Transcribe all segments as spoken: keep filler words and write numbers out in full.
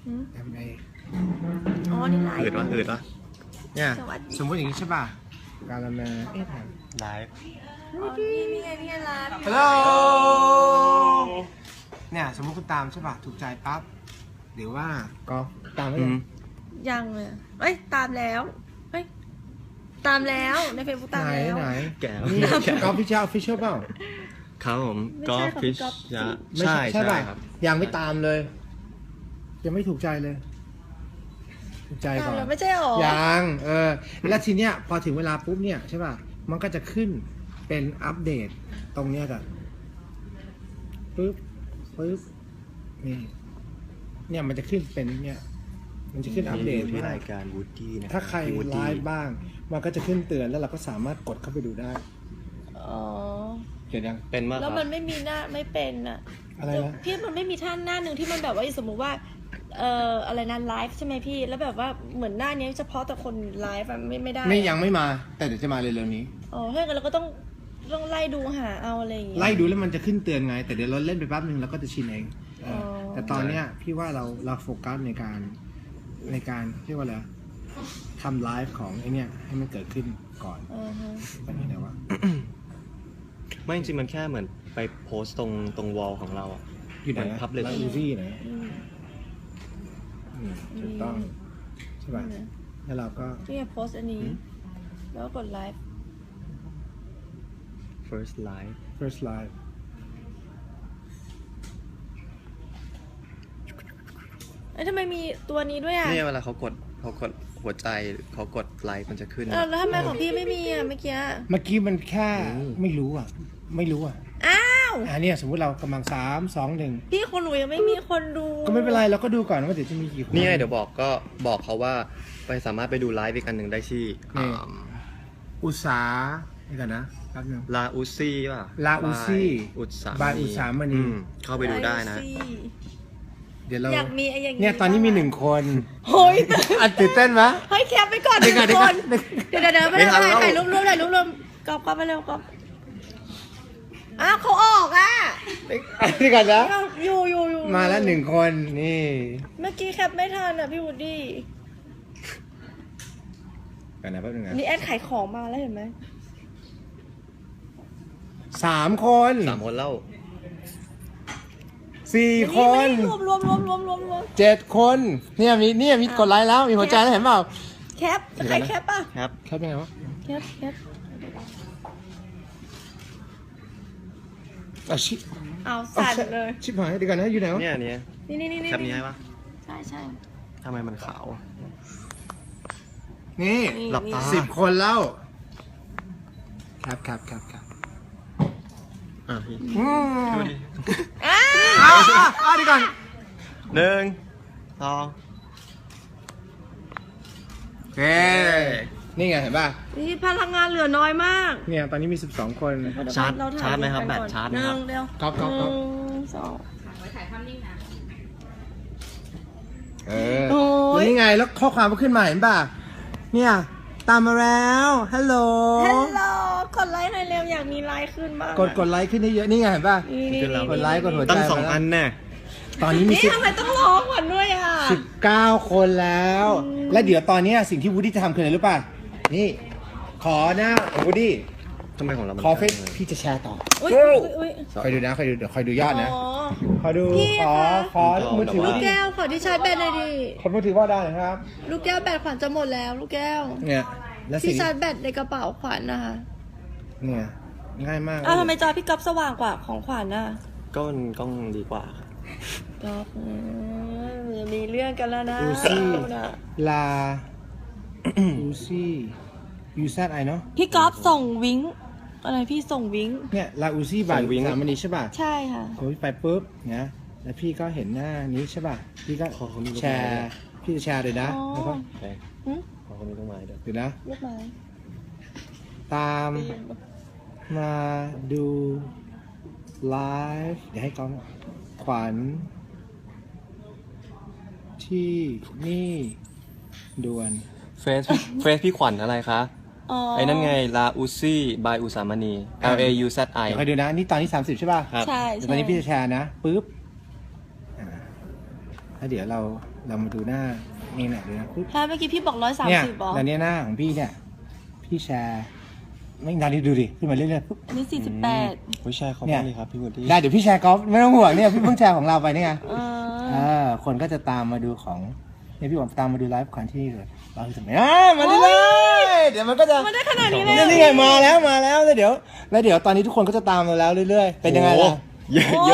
ทำไงอ๋อนี่ไลฟ์อืดวะอืดวะเนี่ยสวัสดีสมมติอย่างนี้ใช่ป่ะการละมาเอ๊ะถามไลฟ์อ๋อนี่นี่ไงนี่ไงไลฟ์ฮัลโหลเนี่ยสมมติคุณตามใช่ป่ะถูกใจปั๊บหรือว่าก็ตามไม่อืได้มยังเลยเอ้ยตามแล้วเฮ้ยตามแล้วในเฟซบุ๊กตามไหนแล้วไหนแก้วนี่กอล์ฟฟิชเชอร์ออฟฟิเชียลเปล่าครับผมไม่กอใช่ล์ฟค่ะฟิชพี่ก๊อฟยะไม่ใช่ใช่ใช่ป่ะครับยังไม่ตามเลย ยังไม่ถูกใจเลย ถูกใจตามก่อนแล้วไม่ใช่หรอยังเออแล้วทีเนี้ยพอถึงเวลาปุ๊บเนี่ยใช่ป่ะมันก็จะขึ้นเป็นอัปเดตตรงเนี้ยกันปุ๊บปุ๊บนี่เนี่ยมันจะขึ้นเป็นเนี่ยมันจะขึ้นอัปเดตที่ให้รายการวูดดี้นะถ้าใครพี่ Woody ไลฟ์บ้าง มันก็จะขึ้นเตือนแล้วเราก็สามารถกดเข้าไปดูได้อ๋อเห็นยังเป็นมากคแล้รัวบมันไม่มีหน้าไม่เป็นอะอะไรนะพี่มันไม่มีท่านหน้าหนึ่งที่มันแบบว่าสมมติว่าเอ่ออะไรนะไลฟ์ใช่ไหมพี่แล้วแบบว่าเหมือนหน้านี้เฉพาะแต่คนไลฟ์อะไม่ไม่ได้ไม่ยังไม่มา แต่เดี๋ยวจะมาเร็วๆนี้อ๋อถ้าอย่างนั้นเราก็ต้องต้องไล่ดูหาเอาอะไรอย่างเงี้ยไล่ดูแล้วมันจะขึ้นเตือนไง แต่เดี๋ยวเราเล่นไปแป๊บนึงเราก็จะชินเองเอออ๋อแต่ตอนเนี้ยพี่ว่าเราเราโฟกัสในการในการเรียกว่าอะไรทำไลฟ์ของไอเนี้ยให้มันเกิดขึ้นก่อนอ่าฮะแบบนี้นะว่าไม่จริงๆมันแค่เหมือนไปโพสต์ตรงตรงวอลของเราอะอยู่ไหนมัน public แล้วอูซี่ไหนอืมอืมถูกต้องใช่ป่ะนี่นะแล้วเราก็พี่จะโพสต์อันนี้ แล้วก็กดไลฟ์ first live first live เอ้ยทำไมมีตัวนี้ด้วยอ่ะเนี่ยเวลาเขากดเขากดหัวใจเขากดไลค์มันจะขึ้นเออแล้วทำไมของพี่ไม่มีอ่ะเมื่อกี้เมื่อกี้มันแค่อืมไม่รู้อ่ะ ไม่รู้อ่ะอ้าวอ่าเนี่ยสมมุติเรากำลังสามสองหนึ่งพี่คนหนูยังไม่มีคนดูก็ไม่เป็นไรเราก็ดูก่อนว่าเดี๋ยวจะมีกี่คนนี่ไงเดี๋ยวบอกก็บอกเขาว่าไปสามารถไปดูไลฟ์อีกอันหนึ่งได้ที่นี่ อุตสานี่ก่อนนะแป๊บนึงลาอุซี่ป่ะลาอุซี่อุตสาบายอุตสามณีอืมเข้าไปดูได้นะสิเดี๋ยวเราอยากมีไอ้อย่างเนี่ยตอนนี้มีหนึ่งคนเฮ้ยอันตื่นเต้นไหมเฮ้ยแคปไปก่อนหเดี๋นึ่ยวงก่อนคเดี๋ยวน ก่อนเดี๋ยวเดี๋ยวไปไม่ทันแล้วถ่ายรูปรวมถ่ายรูปรวมกอบกอบไปเร็วกอบอ้าวเขาออกอ่ะนี่ก่อนนะอ้าวอยู่อยู่อยู่มาแล้วหนึ่งคนนี่เมื่อกี้แคปไม่ทันอ่ะพี่วูดดี้ก่อนนะแป๊บนึงนะนี่แอดขายของมาแล้วเห็นไหมสามคนสามคนเล่าสี่คนรวมรวมรวมรวมรวมรวมเจ็ดคนเนี่ยมีเนี่ยมีกดไลค์แล้วมีหัวใจแล้วเห็นเปล่าแคปใครแคปป่ะครับแค่เป็นไงวะแคปแคปอ่ะชิเอาสั่นเลยชิบหายเดี๋ยวก่อนนะอยู่ไหนวะเนี่ยเนี่ยนี่นี่นี่นี่แคปนี้ให้ปะใช่ใช่ทำไมมันขาวนี่นี่หลับตาสิบคนแล้วครับครับครับครับอ่ะพี่อืมดูดิอ้าอ้าวอ้าวอ้าวเดียวก่อนหนึ่งสองเฮ้นี่ไงเห็นป่ะนี่พลังงานเหลือน้อยมากเนี่ยตอนนี้มีสิบสองคนชาร์จเถ่ยชาร์จไหมครับกันแบตก่อนชาร์จไหหมคนึ่รับงเดียวก๊อปก๊อปก๊อปหนึ่งสองเออโอ้ยแล้วนี่ไงแล้วข้อความก็ขึ้นมาเห็นป่ะเนี่ยตามมาแล้วฮัลโหลฮัลโหลกดไลค์หน่อยเร็วอยากมีไลค์ขึ้นบ้างกดกดไลค์ขึ้นได้เยอะนี่ไงเห็นป่ะนี่นี่นี่กดไลค์กดหัวใจตั้งสองอันแน่ตอนนี้มีนี่สิบทำไมต้องร้องก่อนด้วยอ่ะสิบเก้าคนแล้ว และเดี๋ยวตอนเนี้ยสิ่งที่วูดดี้จะทำคืออะไรรู้ป่ะนี่ ขอหน้าของวูดดี้ทำไมของเรามันขอเฟซพี่จะแชร์ต่ออุ้ยอุ้ยอุ้ยคอยดูนะคอยดูเดี๋ยวคอยดูยอดนะอ๋อขอดูพี่ขอคะขอมือถือลูกแก้วขอที่ชาร์จแบตหน่อยดิขอมือถือว่าได้นะครับลูกแก้วแบตขวัญจะหมดแล้ว ลูกแก้วเนี่ยและสิ่ที่งชาร์จแบตในกระเป๋าขวัญนะคะเนี่ยง่ายมากอ้าวทำไมจอพี่ก๊อฟสว่างกว่าของขวัญน่ะก็มันกล้องดีกว่าครับก๊อฟอืมอย่ามีเรื่องกันแล้วนะอูซี่นะลาอูซี่ยูซัดไอเนาะพี่ก๊อฟส่งวิ้งอะไรพี่ส่งวิ้งเนี่ยลาอูซี่บ่ายสามวันนี้ใช่ป่ะใช่ค่ะผมไปปุ๊บนะแล้วพี่ก็เห็นหน้านี้ใช่ป่ะพี่ก็ขอเขามีรูปแชร์พี่จะแชร์เลยนะอ๋อแล้วก็ไปหึขอเขามีต้นไม้ด้วยเดี๋ยวนะลูกไม้ตามมาดูไลฟ์เดี๋ยวให้กล้องขวัญที่นี่ด่วนเฟซเฟซพี่ขวัญอะไรคะอ๋อไอ้นั่นไงลาอุซี่บายอุสามณี L A U Z I เดี๋ยวคอยดูนะนี่ตอนนี้สามสิบใช่ป่ะครับใช่เดี๋ยวใช่ตอนนี้พี่จะแชร์นะปุ๊บอ่าแล้วเดี๋ยวเราเรามาดูหน้านี่แหละดูนะปุ๊บถ้าเมื่อกี้พี่บอกร้อยสามเนี่ยสิบบอกตอนนี้หน้าของพี่เนี่ยพี่แชร์ไม่นานนี้ดูดิขึ้นมาเรื่อยๆปุ๊บอันนี้สี่สิบแปดผู้ชายเขาเนี่บ้าย งดีครับพี่วูดดี้ได้เดี๋ยวพี่แชร์กอล์ฟไม่ต้องห่วงเนี่ยพี่เพิ่งแชร์ของเราไปนี่ไงเอเอออคนก็จะตามมาดูของเนี่ยพี่บอกตามมาดูไลฟ์คอนที่เลยเราจะไม่อ่ามาดูเลย เดี๋ยวมันก็จะมันได้ขนาดนี้เลยเนี่ยนี่ไงมาแล้วมาแล้วแล้วเดี๋ยวแล้วเดี๋ยวตอนนี้ทุกคนก็จะตามเราแล้วเรื่อยๆเป็นยังไงล่ะเยอะเยอะ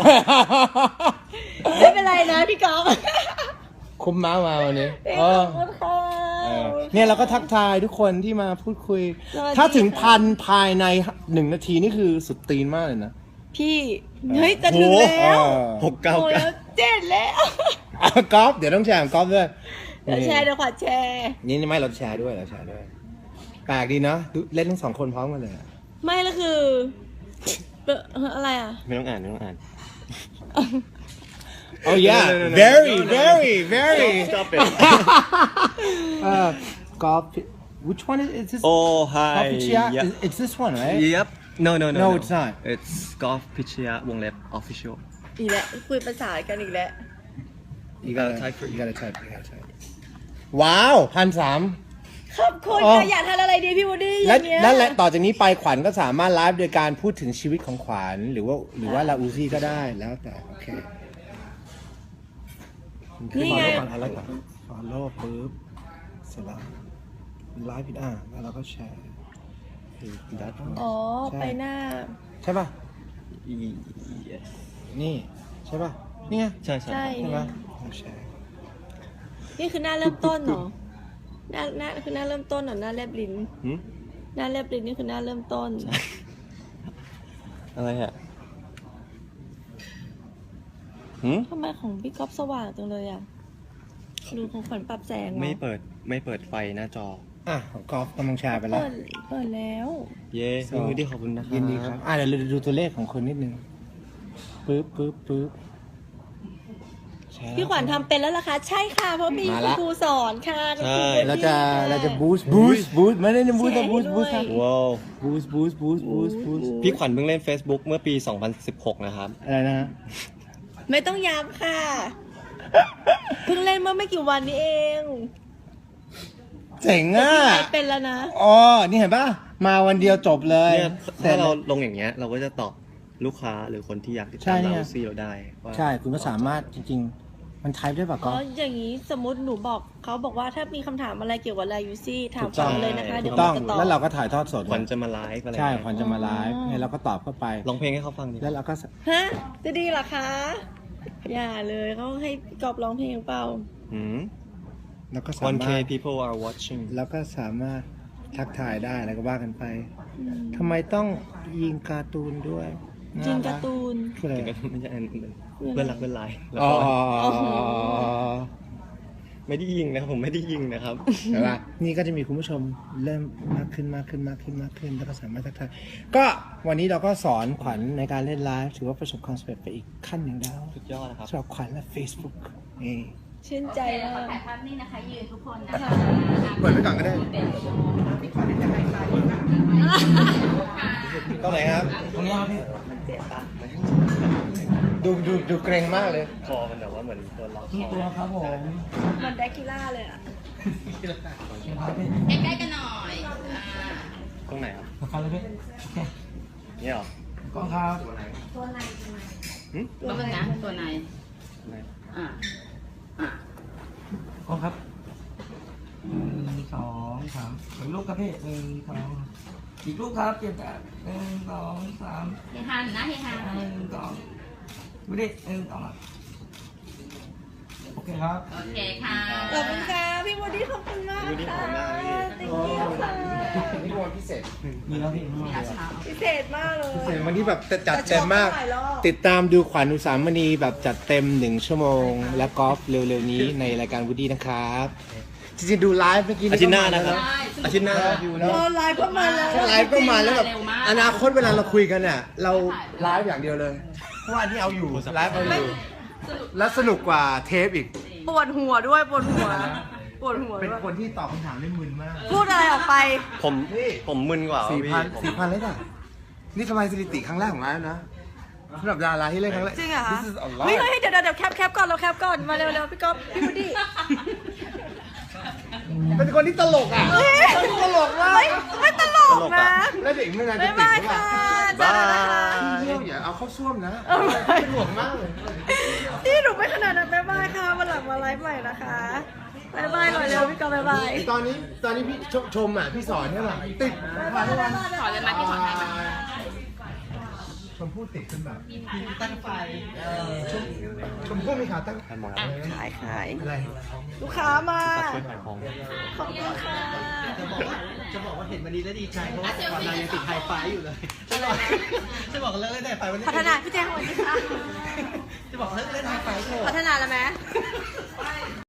ไม่เป็นไรนะพี่กอล์ฟคุ้มม้ามาวันนี้ขเอออบคุณค่ะเออเนี่ยเราก็ทักทายทุกคนที่มาพูดคุยสวัสดีถ้าถึงค่ะพันภายในหนึ่งนาทีนี่คือสุดตีนมากเลยนะพี่เฮ้ยจะถึงแล้วหกเก้าโอ้ยเก้าเจ็ดแล้วอ่ะกอล์ฟเดี๋ยวต้องแชร์ของกอล์ฟด้วยเดี๋ยวแชร์เดี๋ยวขวัญแชร์นี่ไม่เราแชร์ด้วยเราแชร์ด้วยแปลกดีเนาะดูเล่นทั้งสองคนพร้อมกันเลยอะไม่แล้วคือเอ่ออะไรอ่ะไม่ต้องอ่านไม่ต้องอ่าน Oh yeah, No, no, no, no. very, No, no, no. very, very. Stop it. uh, golf. Which one is, is this? Oh hi Golf Yep. Is, it's this one, right? Yep No no no No, it's not. It's Golf พิชยะวงเล็บ official อีกแล้วคุยภาษากันอีกแล้ว You gotta type for You gotta type. You gotta type. ว้าวพันสามขอบคุณอ๋อค่ะอยากทานอะไรดีพี่วูดดี้อและย่างเงี้ยนั่นแหละต่อจากนี้ไปขวัญก็สามารถไลฟ์โดยการพูดถึงชีวิตของขวัญหรือว่าหรือว่าลาอูซี่ก็ได้แล้วแต่โอเคนี่ไงฟอลโล่ก่อนอะไรก่อนฟอลโล่ปุ๊บเสร็จแล้วไลฟ์ผิดอ่ะแล้วเราก็แชร์ That อ๋อใช่ไปหน้าใช่ป่ะ yes นี่ใช่ป่ะนี่ไงใช่ใช่ใช่ใช่ป่ะเราแชร์นี่คือหน้าเริ่มต้นเหรอหน้าหน้าคือหน้าเริ่มต้นเหรอหน้าแลบลิ้นหืมหน้าแลบลิ้นนี่คือหน้าเริ่มต้นอะไรอ่ะหืมทำไมของพี่ก๊อฟสว่างจังเลยอ่ะดูของขวัญปรับแสงเหรอไม่เปิดไม่เปิดไฟหน้าจออ่ะของกอล์ฟกำลังแชร์ไปแล้วเปิดเปิดแล้วเย้พี่วูดดี้ขอบคุณนะครับยินดีครับอ่ะเดี๋ยวเราดูตัวเลขของคนนิดนึงปึ๊บปึ๊บปึ๊บแชร์พี่ขวัญทำเป็นแล้วล่ะคะใช่ค่ะเพราะมีมาคุณละครูสอนค่ะคุณครูเราจะค่ะเราจะบูสต์บูสต์บูสต์ไม่ได้บูสต์แต่บูสต์บูสต์แชร์ให้ด้วยว้าวบูสต์บูสต์บูสต์บูสต์บูสต์พี่ขวัญเพิ่งเล่น Facebook เมื่อปี สองพันสิบหก นะครับอะไรนะฮะไม่ต้องย้ำค่ะ เพิ่งเล่นเมื่อไม่กี่วันนี้เองเจ๋งอ่ะพี่ไทยเป็นแล้วนะอ๋อนี่เห็นป่ะมาวันเดียวจบเลยเนี่ยแต่ถ้าเราลงอย่างเงี้ย เราก็จะตอบลูกค้าหรือคนที่อยากติดใช่ตามเนี่ยเราซี่เราได้ว่าใช่คุณก็สามารถจริง ๆ มันไทป์ได้ป่ะอ๋ก๊ออฟอย่างนี้สมมติหนูบอกเขาบอกว่าถ้ามีคำถามอะไรเกี่ยวกับไลยูซี่ถามถูกต้ฟัองงเลยนะคะ เดี๋ถูยวกต้องมันจะตอบแล้วเราก็ถ่ายทอดสดขวัญจะมาไลฟ์อะไรใช่เงี้ยขวัญจะมาไลฟ์อ๋อให้เราก็ตอบเข้าไปร้องเพลงให้เขาฟังดิแล้วเราก็ฮะจะดีเหรอคะ อย่าเลยเขาให้กอบร้องเพลงเปล่าหืมเราก็สา one มา k รถ people are watching แล้วก็สามารถทักทายได้แล้วก็ว่ากันไปอืมทำไมต้องยิงการ์ตูนด้วยจินน่การ์ตูนคืออะไรจริงก็ไม่ใช่อันนั้นเพื่อนรักเพื่อนไลน์แล้วอ๋อก็อ๋อไม่ได้ยิงนะครับผมไม่ได้ยิงนะครับใช่ปะนี่ก็จะมีคุณผู้ชมเริ่มมากขึ้นมากขึ้นมากขึ้นมากขึ้นแล้วก็สามารถทักทายก็วันนี้เราก็สอนขวัญในการเล่นไลฟ์ถือว่าประสบความสำเร็จไปอีกขั้นหนึ่งแล้วสุดยอดนะครับสำหรับขวัญและ Facebook นี่ชื่นใจแล้มาวก็กถ่ายภาพนี่นะคะ ยืนทุกคนนะคะเปิดไว้ก่อนก็ได้ตรงไหนครับตรงนี้ครับพี่ดูดูดูเกรงมากเลยคอมันแบบว่าเหมือนตัวล็อกคนี่อตัวครับผมเหมันแดกคิล่าเลยอ่ะใกล้ๆกันหน่อยอ่าตรงไหนครับครับเลยพี่เนี่ยเหรอก้องครับหืมตัวนึงนะตัวไหนไหนอ่าอ่าก้องครับหนึ่งสองสามอีกลูกครับพี่หนึ่งสองอีกลูกครับเจ็ดแปดหนึ่งสองสามเฮฮันนะเฮฮันหนึ่งสองดูดิหนึ่งสองโอเคครับโอเคค่ะขอบคุณค่ะพี่วูดดี้ขอบคุณมากวูดดี้ขอบค่ะคุณมากพี่ติ๊งเกียวค่ะนี่วันพิเศษมีแล้วพี่มีอาเช้าพิเศษมากเลยพิเศษวันนี้แบบจัดเต็มมากจะชอบหลายรอบติดตามดูขวัญอุสามณีแบบจัดเต็มหนึ่งชั่วโมง และกอล์ฟเร็วๆนี้ในรายการวูดดี้นะครับจริงๆดูไลฟ์เมื่อกี้อาทิตย์หน้านะครับได้อาทิตย์หน้าอยู่แล้วรอไลฟ์ก็มาแล้วไลฟ์ก็มาแล้วแบบเร็วมากอนาคตเวลาเราคุยกันเนี่ยเราไลฟ์อย่างเดียวเลยเพราะว่าอันนี้เอาอยู่ไลฟ์เอาอยู่แล้วสนุกกว่าเทปอีกปวดหัวด้วยปวดหัว ปวดหัวเป็นด้วยคนที่ตอบคำถามได้มึนมากพูดอะไรออกไปผมนี่ผมมึนกว่าสี่พี่พันผมสี่พันเลยจ้ะนี่ทำลายสถิติครั้งแรกของไลฟ์นะสำหรับดาราที่เล่นครั้งแรกจริงเหรอคะ This is a lot เฮ้ยเฮ้ยเดี๋ยวเดี๋ยวเดี๋ยวแคปแคปก่อนเราแคปก่อนมาเร็วเร็วพี่ก๊อฟพี่วูดดี้เป็นคนที่ตลกอ่ะเฮ้ยตลกมากไม่ไม่ตลกนะแล้วเด็กไม่นานจะบ๊ายติดบายหรือเปค่ะล่าเจอกันนะคะเที่ยวอย่าเอาเข้าซ่วมนะเออเป็นห่วงมากเลยพี่หนูไม่ขนาดนั้นบ๊ายบายค่ะวันหลังมาไลฟ์ใหม่นะคะบ๊ายบายหน่อยเร็วพี่ก๊อฟบ๊ายบายตอนนี้ตอนนี้พี่ชมชมอ่ะพี่สอนใช่ป่ะติดผ่านทุกวันสอนเลยมาพี่สอนให้มาชมพู่ติดขึ้นแบบตั้งไฟชมชมพู่มีขาตั้งให้หมดขายขายอะไรลูกค้ามาช่วยขายของขอบคุณค่ะจะบอกว่าจะบอกว่าเห็นวันนี้แล้วดีใจเพราะว่าวันเรายังติดไฮไฟอยู่เลยจะบอกจะบอกเลิกเล่นไฮไฟวันนี้พัฒนาพี่แจ้งสวัสดีค่ะจะบอกเลิกเล่นไฮไฟเถอะพัฒนาแล้วไหม